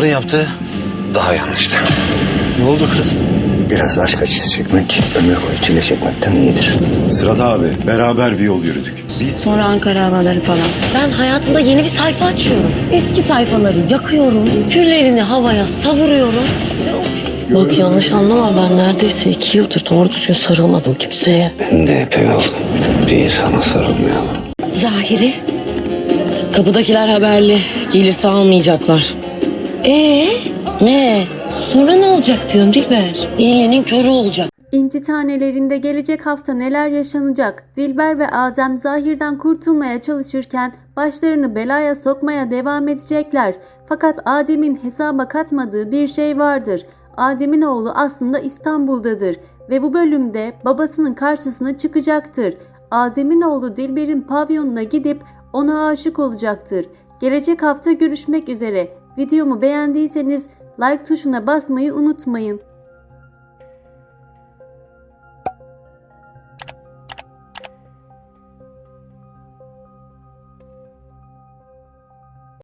yaptığı daha yanlıştı. Ne oldu kız? Biraz aşk acısı çekmek, ömür boyu çile çekmekten iyidir. Sırat abi, beraber bir yol yürüdük. Sonra Ankara havaları falan. Ben hayatımda yeni bir sayfa açıyorum. Eski sayfaları yakıyorum. Küllerini havaya savuruyorum. Bak yanlış anlama, ben neredeyse 2 yıldır doğru düzgün sarılmadım kimseye. Ben de epey oldu. Bir insana sarılmayalım. Zahiri. Kapıdakiler haberli. Gelirse almayacaklar. Ne? Sonra ne olacak diyorum Dilber. İyiliğinin körü olacak. İnci Tanelerinde gelecek hafta neler yaşanacak? Dilber ve Azem Zahir'den kurtulmaya çalışırken başlarını belaya sokmaya devam edecekler. Fakat Adem'in hesaba katmadığı bir şey vardır. Adem'in oğlu aslında İstanbul'dadır ve bu bölümde babasının karşısına çıkacaktır. Azem'in oğlu Dilber'in pavyonuna gidip ona aşık olacaktır. Gelecek hafta görüşmek üzere. Videomu beğendiyseniz like tuşuna basmayı unutmayın.